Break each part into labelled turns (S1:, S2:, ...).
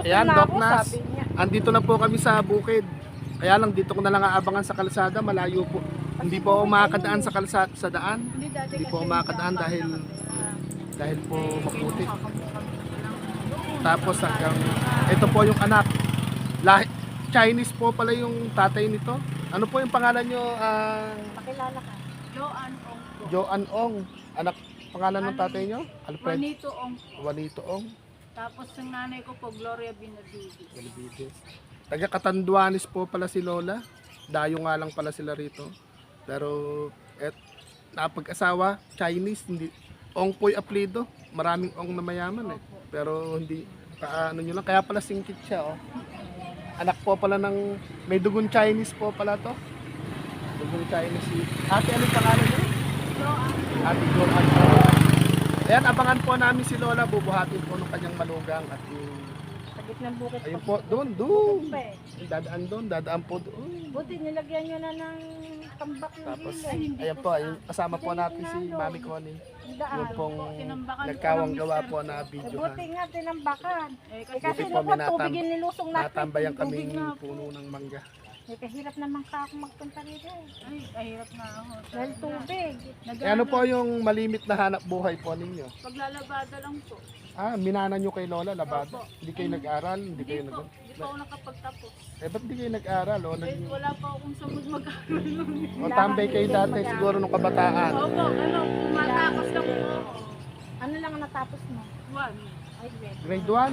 S1: Ayan,
S2: na
S1: Doc
S2: ako,
S1: Nas.
S2: sabi niya.
S1: Andito na po kami sa bukid. Kaya lang dito ko na lang aabangan sa kalsada, malayo po. Hindi po ako makakadaan sa kalsada sa daan. Hindi po ako makakadaan dahil po maputi. Tapos hanggang ito po yung anak. Chinese po pala yung tatay nito. Ano po yung pangalan nyo?
S2: Pakilala ka.
S3: Joanne Ong po.
S1: Joanne Ong. Anak pangalan ng tatay nyo? Alfred
S3: Juanito Ong po.
S1: Juanito Ong.
S3: Tapos yung nanay ko po, Gloria Benavides.
S1: Benavides. Taga Catanduanes po pala si Lola. Dayo nga lang pala sila rito. Pero napag-asawa, Chinese, hindi. Ong po yung apelido. Maraming Ong na mayaman eh. Pero hindi, ano nyo lang. Kaya pala singkit siya oh. Anak po pala ng, may dugon Chinese po pala to. Dugon Chinese si, ate anong pangalan niya? Ate Joanne. Ayan, abangan po namin si Lola. Bubuhatin po ng kanyang malugang at yung
S2: Sa gitnang bukid
S1: ayun
S2: pa.
S1: po, doon.
S2: Pa eh.
S1: Dadaan po doon.
S2: Buti nilagyan nyo na ng tambak yung
S1: Tapos,
S2: gilid.
S1: ayan po, ayun, kasama po natin si Mami Connie.
S2: Ang daan.
S1: Yung pong
S3: Tinambakan po
S1: nagkawang
S3: ng
S1: gawa
S3: mister
S1: po
S3: ko.
S1: na
S2: Eh,
S1: video.
S2: buti nga tinambakan.
S3: Eh,
S2: Eh,
S3: kasi
S2: kasi
S1: Buti po,
S2: naman
S1: may
S2: tubig yung nilusong natin.
S1: Natambayan
S3: Tubig
S1: kaming
S3: na po.
S1: puno ng mangga.
S2: Eh, kahirap naman ka ako magpunta rito.
S3: Ay, kahirap na ako.
S2: Dahil tubig.
S1: Eh, ano po yung malimit na hanap buhay po ninyo?
S3: Paglalabada lang po.
S1: Minana nyo kay Lola, labada.
S3: Opo.
S1: Hindi kayo nag-aral? Hindi
S3: Hindi
S1: kayo
S3: po.
S1: nag...
S3: Hindi pa ako nakapagtapos.
S1: Ba't hindi kayo nag-aral?
S3: Eh, wala pa akong samud mag-aaral nun.
S1: O tambay kayo dati siguro nung kabataan.
S3: Opo, pumatakas lang po ako.
S2: Ano lang ang natapos mo?
S3: One.
S2: Ay, wait.
S1: Grade 1?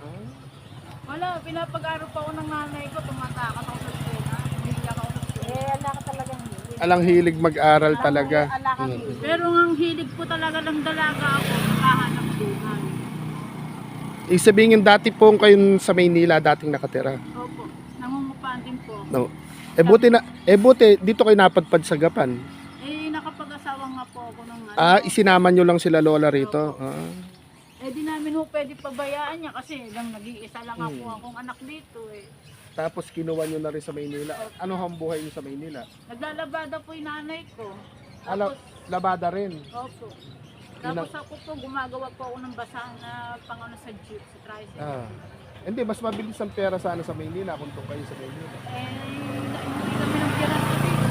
S3: Wala, pinapag-aaral pa ako ng nanay ko. Tumatakas ako sa eskwela. Hindi ako sa eskwela.
S2: Eh, ala ka talagang hilig.
S1: Alang hilig mag-aral talaga.
S2: Ala ka hilig.
S3: Pero ang hilig ko talaga ng dalaga ako, nakahanap buhay.
S1: Sabihin dati po kayo sa Maynila dating nakatira.
S3: Opo, nangungupahan din po.
S1: No. Buti dito kayo napadpad sa Gapan.
S3: Eh, nakapag-asawa nga po ako ng ano.
S1: Isinama nyo lang sila Lola rito.
S3: Eh, di namin ho pwede pabayaan niya kasi lang nag-iisa lang ako akong anak dito eh.
S1: Tapos kinuha nyo na rin sa Maynila. Ano ang buhay nyo sa Maynila?
S3: Naglalabada po yung nanay ko.
S1: Labada rin.
S3: Opo. Tapos ako po, gumagawa po ako ng basahan na pangano sa jeep, sa tricycle.
S1: Hindi, mas mabilis ang pera sana sa Maynila kung doon kayo sa Maynila.
S3: Eh, hindi kami ng pira sa dito.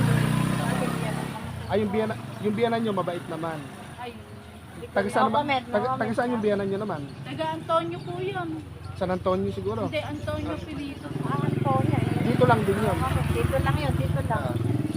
S1: Yung biyanan nyo mabait naman.
S3: Ay,
S1: Taga saan yung biyanan nyo naman?
S3: taga Antonio po yun.
S1: San Antonio siguro?
S3: Hindi, Antonio Pilito.
S2: Antonia.
S1: Dito lang din yun.
S2: Dito lang yun, dito lang.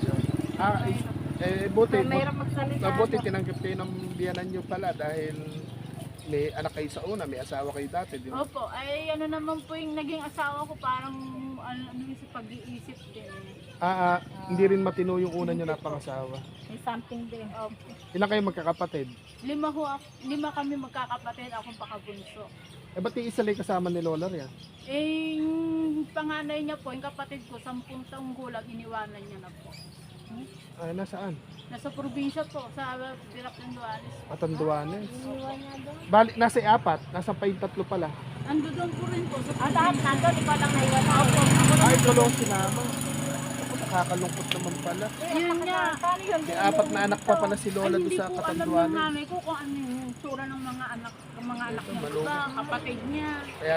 S1: Buti
S2: magsalita.
S1: buti tinanggap kayo ng biyanan nyo pala dahil may anak kayo sa una, may asawa kayo dati, di ba?
S3: Opo, ay ano naman po yung naging asawa ko, parang ano yung sa pag-iisip din.
S1: Hindi rin matino yung una nyo na pangasawa.
S2: May something din.
S3: Opo.
S1: Ilan kayo magkakapatid?
S3: Lima kami magkakapatid, akong pakabunso.
S1: Ba't yung isa lang kasama ni Lola riyan?
S3: Eh, yung panganay niya po, yung kapatid ko, 10 taong gulang, iniwanan niya na po.
S1: Nasaan?
S3: Nasa probinsya po, sa Birac ng Duanes.
S1: Atanduanes.
S2: Iniwan niya doon.
S1: Bali, nasa 4, nasa pa yung 3 pala.
S3: Ando doon po rin po sa
S2: Lahat
S3: probinsya.
S2: nandun, ikaw lang naiwan.
S3: Opo, ako lang.
S1: Ay, tulong sinama. Ako, nakakalungkot naman pala.
S3: Yun nga.
S2: Paano yun?
S1: May 4 na anak pa pala si
S3: Ay,
S1: Lola doon
S3: hindi
S1: sa
S3: po alam ng
S1: Catanduanes.
S3: nanay ko kung ano yung tsura ng mga anak niya,
S1: Malungkot.
S3: ba, kapatid niya.
S1: Kaya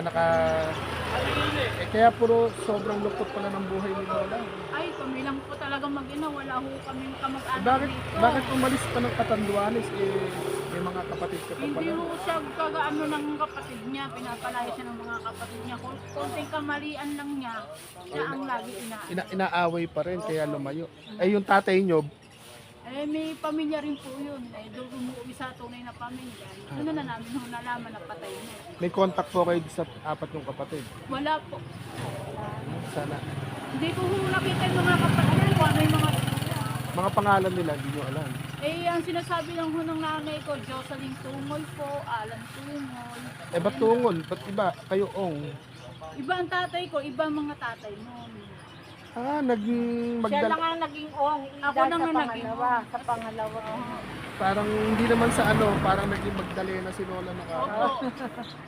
S1: kaya puro sobrang lungkot pala ng buhay ni Lola.
S3: Ay, kami lang po talaga mag-ina, wala ho kami kamag-anak
S1: Bakit,
S3: dito.
S1: bakit umalis pa ng Catanduanes? May mga kapatid ka pa
S3: Hindi
S1: pala.
S3: ho siya kagaano ng kapatid niya, pinapalaya siya ng mga kapatid niya. Kung konting kamalian lang niya, siya ang lagi
S1: Inaaway pa rin, kaya lumayo. Ay, yung tatay nyo,
S3: Eh, may pamilya rin po yun. Eh, doon umuwi sa tunay na pamilya. Ano na namin ho nalaman na patay niya.
S1: may contact po kayo sa 4 yung kapatid.
S3: Wala po.
S1: Sana.
S3: Hindi ko ho nakita yung mga kapatid ko. Ano yung
S1: Mga pangalan nila, hindi nyo alam.
S3: Eh, ang sinasabi lang ho ng nanay ko, Jocelyn Tumoy po, Alan Tumoy.
S1: Ba't tungol? Ba't iba? Kayo ong.
S3: Iba ang tatay ko, iba ang mga tatay noon.
S1: Naging
S2: Siya lang ang naging ong.
S3: Ako
S2: Ida
S3: nang
S2: sa
S3: naging
S2: pangalawa. Sa pangalawa.
S1: Parang hindi naman sa parang naging Magdalena si Lola na
S3: Opo.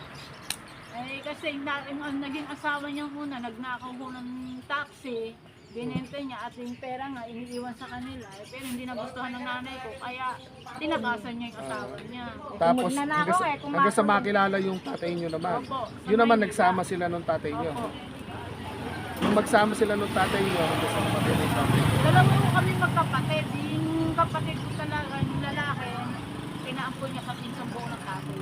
S3: Eh, kasi ang naging asawa niya muna, nagnakaw ho ng taxi. Binenta niya at yung pera nga iniiwan sa kanila. Eh, pero hindi nagustuhan ng nanay ko kaya tinakasan niya yung asawa niya.
S1: Tapos
S2: Magnanakaw
S1: hanggang sa makilala yung tatay nyo naman.
S3: Opo.
S1: Yun naman nagsama sila nung tatay nyo.
S3: Opo.
S1: Nung magsama sila nung tatay nyo, hanggang sa namatay na yung tatay nyo.
S3: Dalawa ko kami magkapatid. Yung kapatid ko talaga, yung lalaki, pinaampun niya sa pinsang buo ng tatay.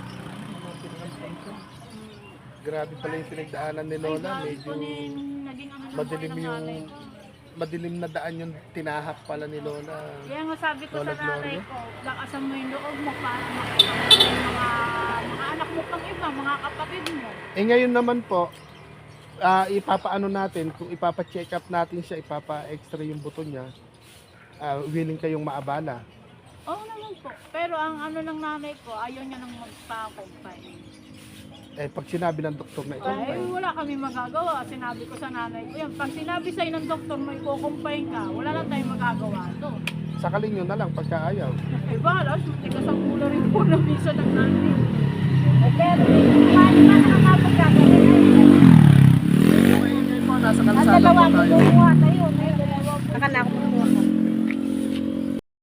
S1: Grabe pala yung pinagdaanan ni Lola. Medyo
S3: Naging ano ng
S1: madilim
S3: buhay ng
S1: yung
S3: nanay ko.
S1: madilim na daan yung tinahak pala ni Lola.
S3: Kaya nga sabi ko
S1: Lola
S3: sa nanay
S1: Gloria?
S3: ko, lakasan mo yung loob mo para makita mo yung mga anak mo pang iba, mga kapatid mo.
S1: Eh ngayon naman po, ipapaano natin, kung ipapa-check up natin siya, ipapa-extra yung buto niya, willing kayong maabala.
S3: Oo naman po. Pero ang ano ng nanay ko, ayaw niya nang magpa-confine.
S1: Eh pag sinabi ng doktor na ito,
S3: Ay, wala kami magagawa. Sinabi ko sa nanay ko, yan, pag sinabi sa'yo ng doktor mo, ikukumpine ka, wala lang tayong magagawa doon.
S1: sakalin nyo na lang pagka ayaw.
S3: Eh, balas, tigas ang ulo rin po na misa ng nanay.
S2: Pero, paano ba nakakapagkagaling?
S1: Ngayon po, nasa
S2: Ang
S1: kalsada
S2: dalawa,
S1: po tayo.
S2: tulungan tayo. May dalawa po. Nakala ko